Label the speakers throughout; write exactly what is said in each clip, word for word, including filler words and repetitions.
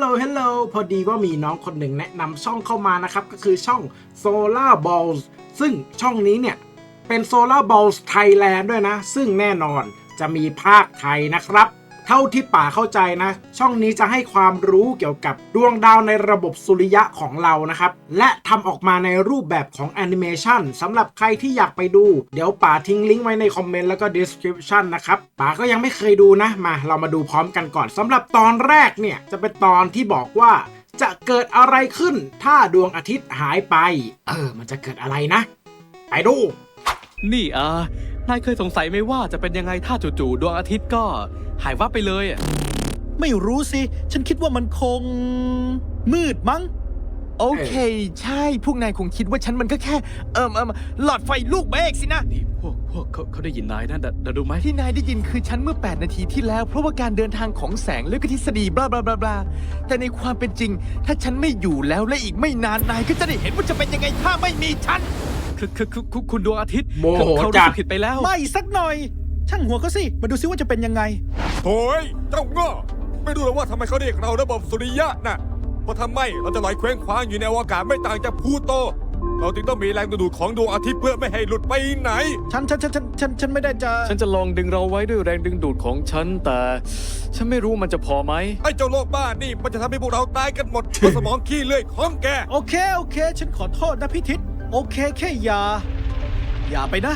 Speaker 1: ลเฮลโลพอดีว่ามีน้องคนหนึ่งแนะนำช่องเข้ามานะครับก็คือช่อง Solar Balls ซึ่งช่องนี้เนี่ยเป็น Solar Balls Thailand ด้วยนะซึ่งแน่นอนจะมีภาคไทยนะครับเท่าที่ป่าเข้าใจนะช่องนี้จะให้ความรู้เกี่ยวกับดวงดาวในระบบสุริยะของเรานะครับและทำออกมาในรูปแบบของแอนิเมชันสำหรับใครที่อยากไปดูเดี๋ยวป่าทิ้งลิงก์ไว้ในคอมเมนต์แล้วก็ description นะครับป่าก็ยังไม่เคยดูนะมาเรามาดูพร้อมกันก่อนสำหรับตอนแรกเนี่ยจะเป็นตอนที่บอกว่าจะเกิดอะไรขึ้นถ้าดวงอาทิตย์หายไปเออมันจะเกิดอะไรนะไปดู
Speaker 2: นี่อานายเคยสงสัยไหมว่าจะเป็นยังไงถ้าจู่ๆดวงอาทิตย์ก็หายวับไปเลยอ่ะ
Speaker 3: ไม่รู้สิ ฉันคิดว่ามันคงมืดมั้ง
Speaker 4: โอเค ใช่ พวกนายคงคิดว่าฉันมันก็แค่ เอิมเอิมหลอดไฟลูกเมฆสินะ
Speaker 2: นี่พวกพวกเขาเขาได้ยินนายนะเดี๋ยวดูไหม
Speaker 4: ที่นายได้ยินคือฉันเมื่อแปดนาทีที่แล้ว เพราะว่าการเดินทางของแสงและก็ทฤษฎีบลาบลาบลาบลาแต่ในความเป็นจริง ถ้าฉันไม่อยู่แล้วและอีกไม่นานนายก็จะได้เห็นว่าจะเป็นยังไงถ้าไม่มีฉัน
Speaker 2: คือคือคือคือคุณดวงอาทิตย์
Speaker 1: โมโห
Speaker 2: เขา
Speaker 1: จั
Speaker 2: รู้
Speaker 1: ด
Speaker 2: สึกผิดไปแล้ว
Speaker 3: ไม่สักหน่อย ช่างหัวเขาสิ มาดูซิว่าจะเป็นยังไง
Speaker 5: โถ่เจ้าง้อไม่รู้หรอกว่าทำไมเขาเรียกเราระบบสุริยะน่ะเพราะทำไมเราจะลอยเคว้งคว้างอยู่ในอวกาศไม่ต่างจากพลูโต เราจึงต้องมีแรงดึงดูดของดวงอาทิตย์เพื่อไม่ให้หลุดไปไหน
Speaker 3: ฉันฉันฉันฉันฉันฉันไม่ได้จะ
Speaker 2: ฉันจะลองดึงเราไว้ด้วยแรงดึงดูดของฉันแต่ฉันไม่รู้มันจะพอไหม
Speaker 5: ไอ้เจ้าโลกบ้านี่มันจะทำให้พวกเราตายกันหมด เพราะสมองขี้เลื่อยของแก
Speaker 3: โอเค โอเค ฉันขอโทษนะพี่ทิศโอเค แค่อย่า อย่าไปนะ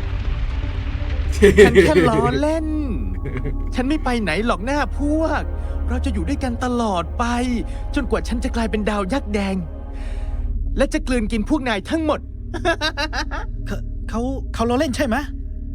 Speaker 4: ฉันแค่ล้อเล่น ฉันไม่ไปไหนหรอกหน้าพวก เราจะอยู่ด้วยกันตลอดไป จนกว่าฉันจะกลายเป็นดาวยักษ์แดง และจะกลืนกินพวกนายทั้งหมด
Speaker 3: เขาเขาเขาล้อเล่นใช่ไหม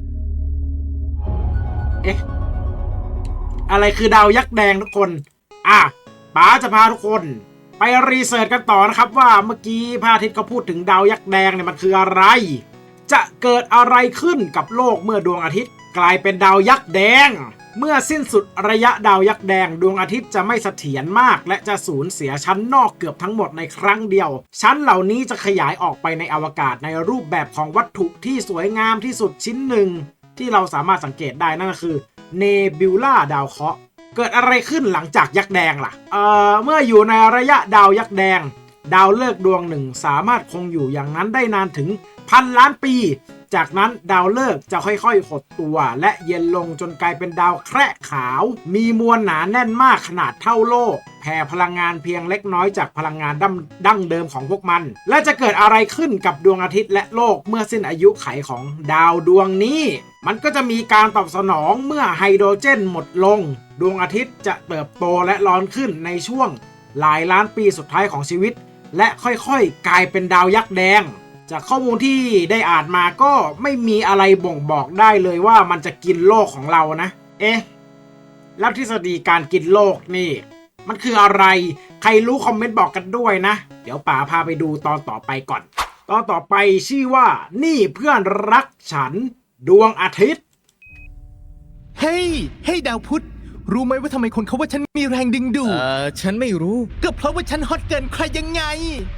Speaker 1: เอ๊ะอะไรคือดาวยักษ์แดงทุกคนอ่ะป๋าจะพาทุกคนไปรีเสิร์ชกันต่อนะครับว่าเมื่อกี้พระอาทิตย์เขาพูดถึงดาวยักษ์แดงเนี่ยมันคืออะไรจะเกิดอะไรขึ้นกับโลกเมื่อดวงอาทิตย์กลายเป็นดาวยักษ์แดงเมื่อสิ้นสุดระยะดาวยักษ์แดงดวงอาทิตย์จะไม่เสถียรมากและจะสูญเสียชั้นนอกเกือบทั้งหมดในครั้งเดียวชั้นเหล่านี้จะขยายออกไปในอวกาศในรูปแบบของวัตถุที่สวยงามที่สุดชิ้นหนึ่งที่เราสามารถสังเกตได้นั่นก็คือเนบิวล่าดาวเคราะห์เกิดอะไรขึ้นหลังจากยักษ์แดงล่ะเอ่อเมื่ออยู่ในระยะดาวยักษ์แดงดาวฤกษ์ดวงหนึ่งสามารถคงอยู่อย่างนั้นได้นานถึงพันล้านปีจากนั้นดาวฤกษ์จะค่อยๆหดตัวและเย็นลงจนกลายเป็นดาวแคระขาวมีมวลหนาแน่นมากขนาดเท่าโลกแผ่พลังงานเพียงเล็กน้อยจากพลังงานดั้งเดิมของพวกมันและจะเกิดอะไรขึ้นกับดวงอาทิตย์และโลกเมื่อสิ้นอายุไขของดาวดวงนี้มันก็จะมีการตอบสนองเมื่อไฮโดรเจนหมดลงดวงอาทิตย์จะเติบโตและร้อนขึ้นในช่วงหลายล้านปีสุดท้ายของชีวิตและค่อยๆกลายเป็นดาวยักษ์แดงจากข้อมูลที่ได้อ่านมาก็ไม่มีอะไรบ่งบอกได้เลยว่ามันจะกินโลกของเรานะเอ๊ะแล้วทฤษฎีการกินโลกนี่มันคืออะไรใครรู้คอมเมนต์บอกกันด้วยนะเดี๋ยวป๋าพาไปดูตอนต่อไปก่อนตอนต่อไปชื่อว่านี่เพื่อนรักฉันดวงอาทิตย์
Speaker 4: เฮ้ย เฮ้ยดาวพุธ รู้ไหมว่าทำไมคนเขาว่าฉันมีแรงดึงดูด
Speaker 6: เอ่อ ฉันไม่รู้
Speaker 4: ก็เพราะว่าฉันฮอตเกินใครยังไง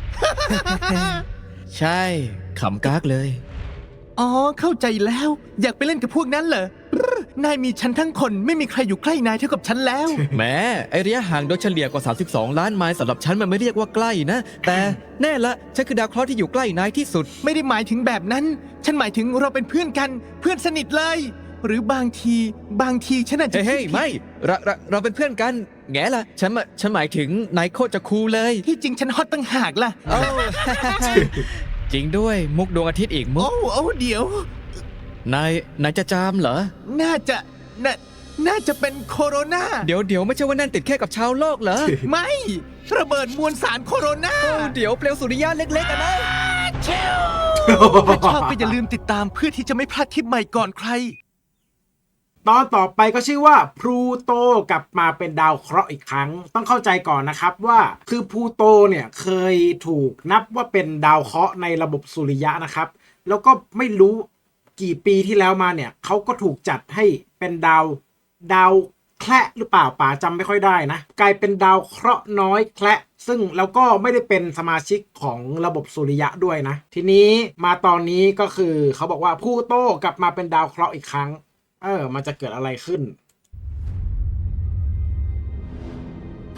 Speaker 6: ใช่ ขำกากเลย
Speaker 4: อ๋อ เข้าใจแล้ว อยากไปเล่นกับพวกนั้นเหรอ นายมีฉันทั้งคนไม่มีใครอยู่ใกล้นายเท่ากับฉันแล้ว
Speaker 6: แหมไอระยะห่างโดยเฉลี่ยกว่า สามสิบสอง ล้านไมล์สำหรับฉันมันไม่เรียกว่าใกล้นะ แต่แน่ละฉันคือดาวเคราะห์ที่อยู่ใกล้นายที่สุด
Speaker 4: ไม่ได้หมายถึงแบบนั้น ฉันหมายถึงเราเป็นเพื่อนกัน เพื่อนสนิทเลย หรือบางที บางทีฉันอาจจะ
Speaker 6: เฮ้ย
Speaker 4: คิดผิด
Speaker 6: ไม่เราเราเราเป็นเพื่อนกัน แง่ละฉันมาฉันหมายถึงนายโคตรจะคูลเลย
Speaker 4: ที่จริงฉันฮอตตั้งหากล่ะ
Speaker 6: โอ้ จริงด้วยมุกดวงอาทิตย์อีกมุ
Speaker 4: โอ้
Speaker 6: ก
Speaker 4: โอ้เดี๋ยว
Speaker 6: นายนายจะจามเหรอ
Speaker 4: น่าจะ น่า น่าจะเป็นโคโรนา
Speaker 6: เดี๋ยวเดี๋ยวไม่ใช่ว่านั่นติดแค่กับชาวโลกเหรอ
Speaker 4: ไม่ ระเบิดมวลสารโคโรนา
Speaker 6: โอ้เดี๋ยวเปลวสุริยะเล็กๆอะนะ
Speaker 4: ถ้าชอบก็อย่าลืมติดตามเพื่อที่จะไม่พลาดทริปใหม่ก่อนใคร
Speaker 1: ตอนต่อไปก็ชื่อว่าพลูโตกลับมาเป็นดาวเคราะห์อีกครั้งต้องเข้าใจก่อนนะครับว่าคือพลูโตเนี่ยเคยถูกนับว่าเป็นดาวเคราะห์ในระบบสุริยะนะครับแล้วก็ไม่รู้กี่ปีที่แล้วมาเนี่ยเขาก็ถูกจัดให้เป็นดาวดาวแคระหรือเปล่าป๋าจำไม่ค่อยได้นะกลายเป็นดาวเคราะห์น้อยแคระซึ่งแล้วก็ไม่ได้เป็นสมาชิกของระบบสุริยะด้วยนะทีนี้มาตอนนี้ก็คือเขาบอกว่าพลูโตกลับมาเป็นดาวเคราะห์อีกครั้งเออมันจะเกิดอะไรขึ้น
Speaker 4: พ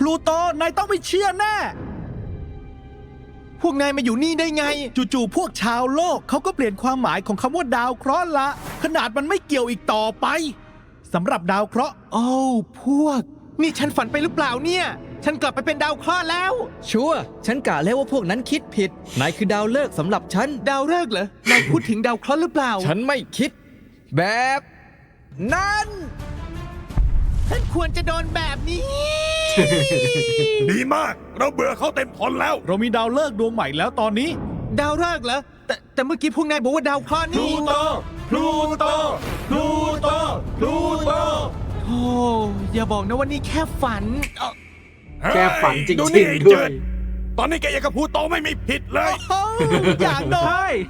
Speaker 3: ลูโตนายต้องไม่เชื่อแน่
Speaker 4: พวกนายมาอยู่นี่ได้ไง
Speaker 3: จู่ๆพวกชาวโลกเขาก็เปลี่ยนความหมายของคำว่าดาวเคราะห์ละ ขนาดมันไม่เกี่ยวอีกต่อไปสำหรับดาวเคราะห์
Speaker 4: โอ้วพวก นี่ฉันฝันไปหรือเปล่าเนี่ย ฉันกลับไปเป็นดาวเคราะห์แล้ว
Speaker 6: ชัวร์ฉันกะแล้วว่าพวกนั้นคิดผิด นายคือดาวฤกษ์สำหรับฉัน
Speaker 4: ดาวฤกษ์เหรอ นายพูดถึงดาวเคราะห์หรือเปล่า
Speaker 6: ฉันไม่คิด แบบนั้น
Speaker 4: ฉันควรจะโดนแบบนี้
Speaker 5: ดีมาก เราเบื่อเขาเต็มทนแล้ว
Speaker 3: เรามีดาวฤกษ์ดวงใหม่แล้วตอนนี้
Speaker 4: ดาวฤกษ์เหรอ แต่แต่เมื่อกี้พวกนายบอกว่าดาวเคราะห์
Speaker 5: พลู
Speaker 4: นี่
Speaker 5: โต พลูโต พลูโต พลูโต
Speaker 4: โอ้อย่าบอกนะว่านี่แค่ฝันเอ้า
Speaker 1: แกฝันจริง
Speaker 5: ดูนี่
Speaker 1: ๆด้วย
Speaker 5: เจิดตอนนี้แกยังกับพลูโตไม่มีผิดเลย
Speaker 3: โอ้อยากโดน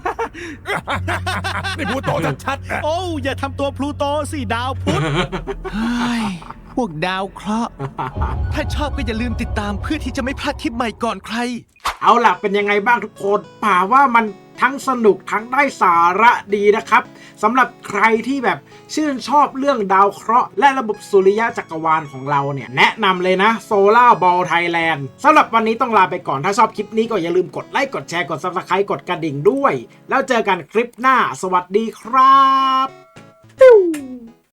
Speaker 5: นี่พลูโตชัดๆนะ
Speaker 3: โอ้อย่าทำตัวพลูโตสิดาวพุธ
Speaker 4: เฮ้ยพวกดาวเคราะห์ ถ้าชอบก็อย่าลืมติดตามเพื่อที่จะไม่พลาดทริปใหม่ก่อนใคร
Speaker 1: เอาล่ะเป็นยังไงบ้างทุกคนป่าว่ามันทั้งสนุกทั้งได้สาระดีนะครับสำหรับใครที่แบบชื่นชอบเรื่องดาวเคราะห์และระบบสุริยะจักรวาลของเราเนี่ยแนะนำเลยนะ Solar Ball Thailand สำหรับวันนี้ต้องลาไปก่อนถ้าชอบคลิปนี้ก็อย่าลืมกดไลค์กดแชร์กด Subscribe กดกระดิ่งด้วย แล้วเจอกันคลิปหน้าสวัสดีครับ